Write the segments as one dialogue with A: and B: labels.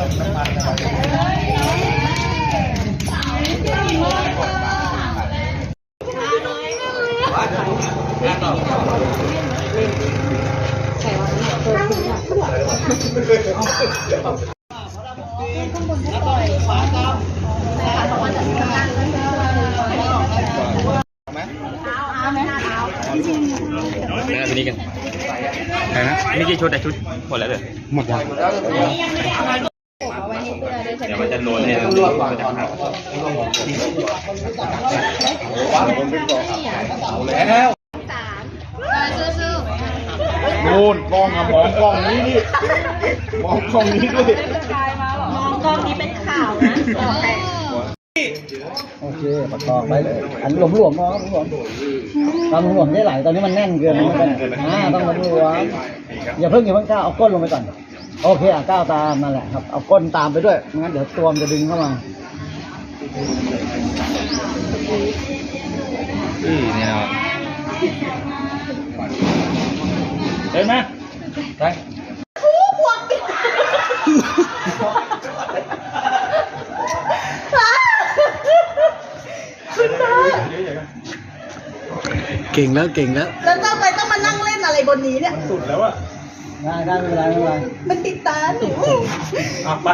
A: ไปนี่กันใช่ไหมนี่กี่ชุดแต่ชุดหมดแล้วเลยหมดแล้วเดี๋ยวมันจะโดนเนี่ยมันจะหัก
B: แล้วโน่นกล้องอะมองกล้องนี้ดิมองกล้องนี้ด้วย
C: มองกล้องนี้เป็นข่าวนะ
D: โอเคประกอบไปเลยอันหลวมๆเนาะหลวมๆตอนหลวมได้หลายตอนนี้มันแน่นเกินต้องหลวมอย่าเพิ่งก้าวเอาก้นลงไปก่อนโอเคก้าวตามนั่นแหละครับเอาก้นตามไปด้วยงั้นเดี๋ยวตัวมันจะดึงเข้ามา
A: เนี่ยนะ
B: เห็นไหมไป
D: เก่งแล้วเก่งแล้ว
C: แล้วทำไมต้องมานั่งเล่นอะไรบนนี้เนี่ย
B: สุดแล้วอะ
D: ได้ไม่เป็นไรไม่เป็นไร
C: มันติดตาหนู
B: ไป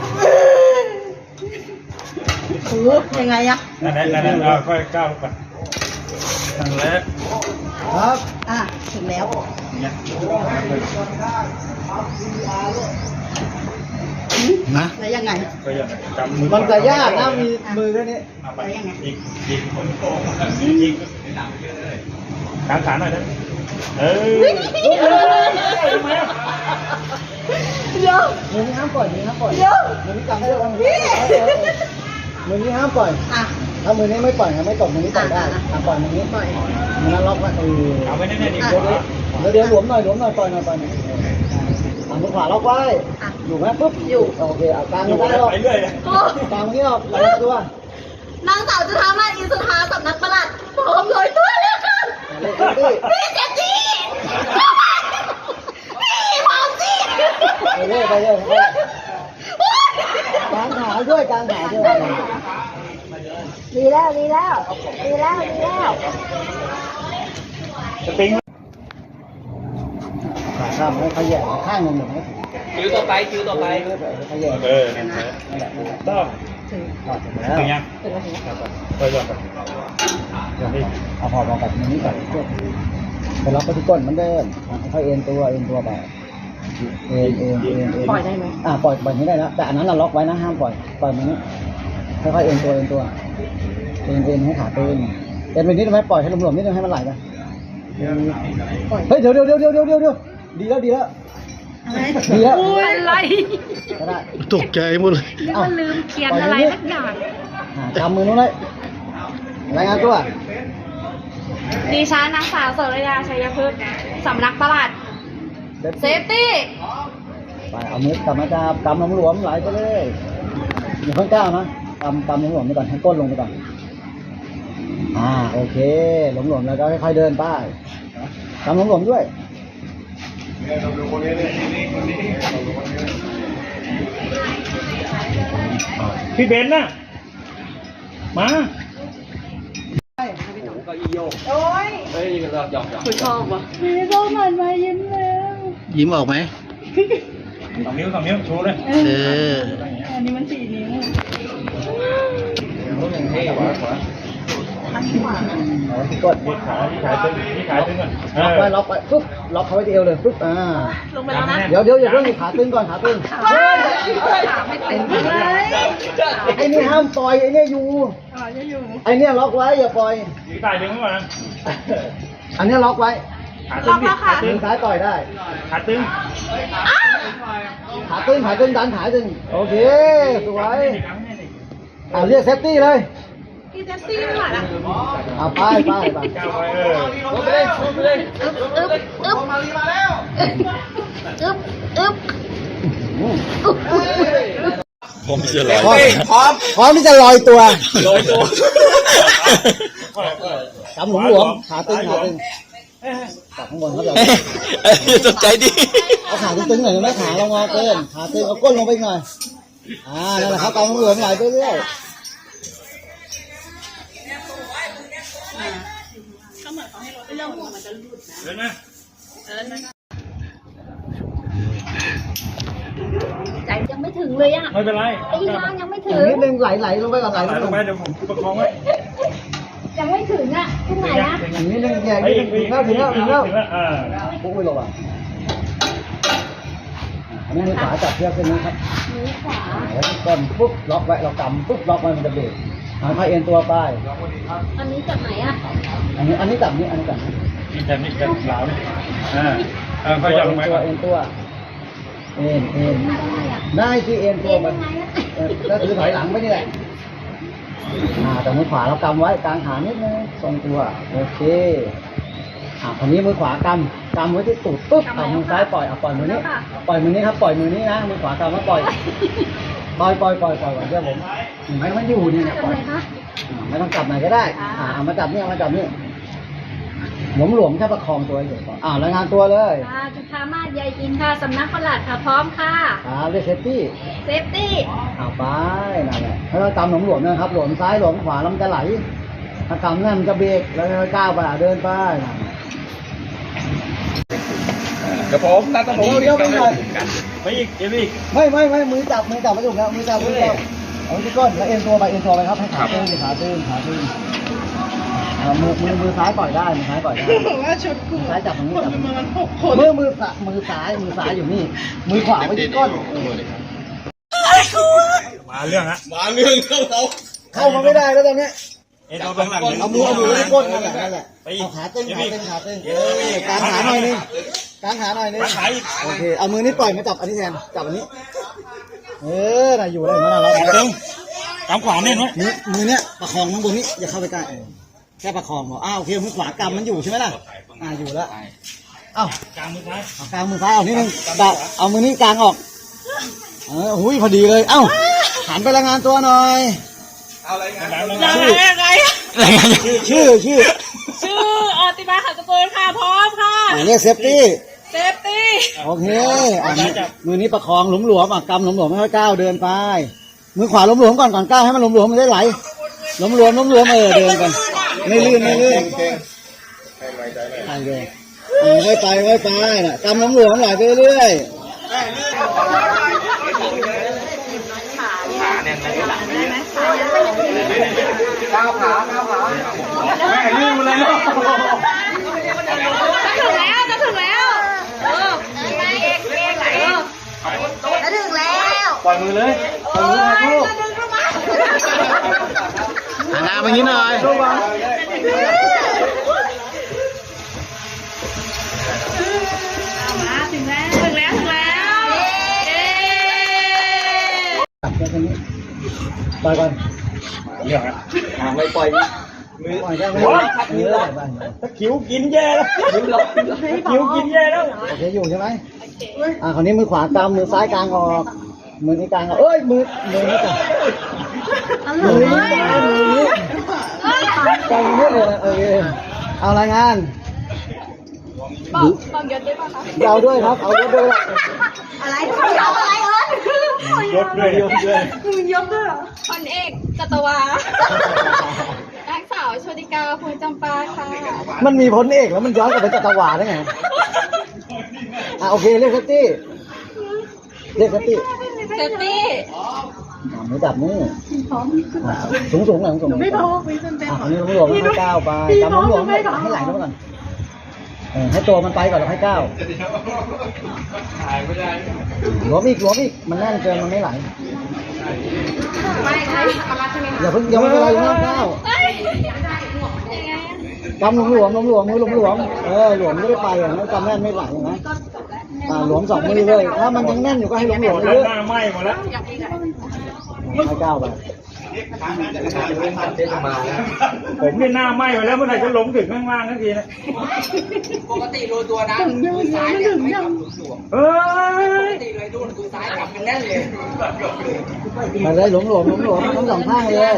C: โอ้ยังไงอะ
B: นั่นค่อยก้าวไปนั่นแหละ
D: ครับ
C: ถึงแล้ว
D: นะ
C: แล้วยังไง
D: มันจะยากนะมีมือแค่นี้
C: แล้วยังไง
B: อีกกางขาหน่อยนะ
C: เดี๋ยว
D: มือนี้ห้ามปล่อยมือนี้ห้ามปล่อยมือนี้จำได้แล้วมือนี้ห้ามปล่อยถ้ามือนี้ไม่ปล่อยไม่ตกมือนี้ปล่อยได้ปล่อยมือนี้ปล่อยมือนั้นล็อกไว้
B: เอาไว้แน่ๆดิ
D: เดี๋ยวหลวมหน่อยปล่อยหน่อยมือขวาล็อกไว้อยู่ไหมปุ๊บอยู่โอเคกลางไม่ได้หรอกกลางนี้ออกไหลตั
C: วนางสาวจุฑามาศอินสุธาสำนักปลัดพร้อมเลยตัวแล้วค่ะพี่เจจี้พี่พร้อมสิ
D: ไปเรื่อยกลางขาด้วย
C: ดีแล้ว
B: สปริง
D: ขาข้ามให้ขยับข้างหนึ่ง
A: คิวต่อไป
D: ขยับ
B: ต้องถึงยังค่อยก่อน
D: เอาหอบเอาแบบนี้ก่อนไปล็อกไปที่ก้นมันเดินค่อยเอ็นตัวไปเอ็น
C: ปล่อยได้ไหม
D: ปล่อยนี้ได้แล้วแต่อันนั้นเราล็อกไว้นะห้ามปล่อยมันนี้ค่อยๆเอ็นตัวเอ็นให้ขาตึงเอ็นไปนิดนึงไหมปล่อยให้หลวมๆนิดนึงให้มันไหลไปเฮ้ยเดี๋ยวดีแล้ว
C: อะไร
D: ก็ได้
E: ตกใจหมดเลย
C: นึกว่าลืมเขียนอะไรสักอย่าง
D: จำมือนู้นเลยรายงานตัว
C: ดิฉันนางสาวโสรยาชัยพฤกษ์สำนักปลัดเซฟตี้
D: ไปเอามือกลับมาจับกำหลวมไหลไปเลยอย่าเพิ่งก้าวนะกำหลวมไปก่อนให้ก้นลงไปก่อนโอเคหลวมแล้วก็ค่อยๆเดินไปกำหลวมด้วย
B: พี่เบนน่ะมา
C: โอ้ยคุณชอบวะพี่ชอบมันมายิ้มแล้ว
E: ยิ้มออกไหม
B: 2 นิ้วชูเลย
C: อันนี้มัน4 นิ้ว
D: ที่กด
B: ขาตึงก่อน
D: ล็อกไว้ปุ๊บล็อกเขาไว้ที่เอวเลยปุ๊บ
C: ลงไปแล้วนะ
D: เดี๋ยวอย่าเพิ่งขาตึงก่อนขาตึง
C: ขาไม่ตึงเลย
D: ไอ้นี่ห้ามปล่อยไอ้นี่อยู่ไอ้นี่ล็อกไว้อย่าปล่อย
B: ตายดึงไว้ก่อนนะ
D: อันนี้ล็อกไว้
C: ขา
D: ตึงซ้ายปล่อยได้
B: ขาตึง
D: ดันขาตึงโอเคสวยเรียกเซฟตี้เลย
C: พี่เจสซี่ไม่ไหวละ
D: ไป
B: ก้าวไป
C: อึ๊บ
A: ผมจะลอย
D: พร้อมที่จะลอยตัวกำหลวมขาตึงจากข้างบนเขาจะ
A: ตกใจดิ
D: เอาขาตึงหน่อยไหมขาเรางอเกินขาตึงเอาก้นลงไปหน่อยนั่นแหละครับกำหลวมไหลไปเรื่อย
B: เดินมา
C: ใจยังไม่ถึงเลยอ่ะ
B: ไม่เป็นไร
C: ตีล่างยังไม่
D: อ
C: ถึ
D: ย่าง งนิดนึงไหลลงไปก่อนไหล
B: ลงไปเดี๋ยวผมประคองไว้
C: ยังไม่ถึงอ่ะตรงไหนอ่ะ
D: อย่างนิดนึงอย่างนิดนึงถึงแล้วปุ๊บไปลงอ่ะอันนี้มือขวาจับเชือกเส้นนี้ครับ
C: มือขวา
D: แล้วก้อนปุ๊บล็อกไว้เรากำปุ๊บล็อกไว้มันจะเบรกค่อยเอ็นตัวไป
C: อันนี้จากไหนอ่ะ
D: อันนี้จับนี้อันนี้จับนี้
B: นี่จะนี่จะหลาวนี่ค่อยจับลงไปก่อน
D: เอ็นตัวเอ็นได้ที่เอ็นตัวมันก็คือถอยหลังไปนี่แหละแต่มือขวาเรากำไว้กลางขานิดนึงทรงตัวโอเคอันนี้มือขวากำไว้ที่ตูดปุ๊บมือซ้ายปล่อยปล่อยมือนี้ปล่อยมือนี้ครับปล่อยมือนี้นะมือขวากำแล้วปล่อยก่อนเดี๋ยวผมให้มันอยู่เนี่ยปล่อยไม่ต้องจับไหนก็ได้เอามาจับนี่เอามาจับนี่หลวมแค่ประคองตัวเฉยๆก่อนรายงานตัวเลย
C: จุฑามาศยายอินค่ะสำนักปลัดค่ะพร้อมค่ะ
D: เรียกเซฟตี้
C: เซฟตี้
D: ไปนั่นแหละถ้าเรากำหลวมๆนะครับหลวมซ้ายหลวมขวาแล้วมันจะไหลถ้ากำนั่นมันจะเบรกแล้วค่อยก้าวไปเดินไป
A: เดี๋ยวผมนัดต้องผม
D: เดี๋ยวไปหน่อย
B: ไปอีกเดี๋ยวอีก
D: ไม่มือจับไม่ถูกแล้วมือจับเอาที่ก้นแล้วเอ็นตัวไปครับให้ขาตื้นมือซ้ายปล่อยได้มือซ้ายซ้ายจับตรงนี้จับมือซ้ายอยู่นี่มือขวาไว้ที่ก้น
B: มาเรื่องฮะ
D: เข้ามาไม่ได้แล้วตอนนี้
B: เอ็นตัวข้างหลัง
D: เอามือไว้ก้นนั่นแหละเอาขาตึงกางขาหน่อยนึงโอเคเอามือนี้ปล่อยมาจับอันนี้แทนจับอันนี้น่ะอยู่ได้มาแล้ว
B: ตึงกำขวาเนี่ยนะ
D: มือเนี้ยประคองข้างบนนี้อย่าเข้าไปใกล้แค่ประคองพอโอเคมือขวากำมันอยู่ใช่ไหมล่ะอยู่แล้ว
B: กลางมือซ้าย
D: เอากลางมือซ้ายเอานิดนึงเอามือนี้กลางออกหุยพอดีเลยหันไปรายงานตัวหน่อยชื่อ
C: อติมาขันตะโกนค่ะพร้อมค่ะ
D: เรียกเซฟตี้
C: โอเค
D: มือนี้ประคองหลวมกำหลวมให้ก้าวเดินไปมือขวาหลวมก่อนก้าวให้มันหลวมมันได้ไหลหลวมเดินกันไม่ลื่นไปเลยไปน่ะกำหลวมไหลไปเรื่อย
B: ไม่ลืมเลย
C: จะถึงแล้ว
B: ปล่อยมือเลยปล่อยมือให้ลูก
D: หันหน้าไปนิดหน่อย
C: ถึงแล้ว
D: ปล่อยก่อน
B: เรื่องฮะ
D: ไม่ปล่อยปล่อยได้ไหม
B: ถ้าคิ้วกินแย่แล้วคิ้วกินแย่แล้ว
D: โอเคอยู่ใช่ไหมคราวนี้มือขวากำมือซ้ายกลางออกมือนี้กลางมือนี้จับมือนี้กลางนี้เลยโอเคเอารายงาน
C: บอกยศด้วยป่ะคะ
D: เอาด้วยครับเอายศด้วย
C: อะไร
B: ยกด้วย
C: พันเอกจัตวานางสาวโชติกาภูลจำปาค่ะ
D: มันมีพลเอกแล้วมันย้อนกลับไปจัตวาได้ไงโอเคเรียกเซฟตี้ไม่จับมือสูงหลังสูงไม่พออันนี้หลวมให้ก้าวไปกำหลวมให้ไหลเข้าไปก่อนให้ตัวมันไปก่อนแล้วให้ก้าวหลวมอีกมันแน่นเกินมันไม่ไหลอย่าเพิ่งยังไม่เป็นไรยังไม่ก้าวกำหลวมมือหลวมไม่ได้ไปอย่างนั้นกำแน่นไม่ไหลนะหลวม2 มือเลยถ้ามันยังแน่นอยู่ก็ให้หลวมเยอะ
B: หน้าไหม้หมดแล้ว
D: ให้ก้าวไป
B: ผมนี่หน้าไหม้ไปแล้วเมื่อไหร่จะลงถึงข้างล่างทันทีนะปกติรู้ตัวนะมือซ้ายเนี่ยไม่กับหลวมปกติเลยดูมือซ้ายกับมันแน่นเลย
D: มาเลยหลวมทั้ง 2 ข้างเลย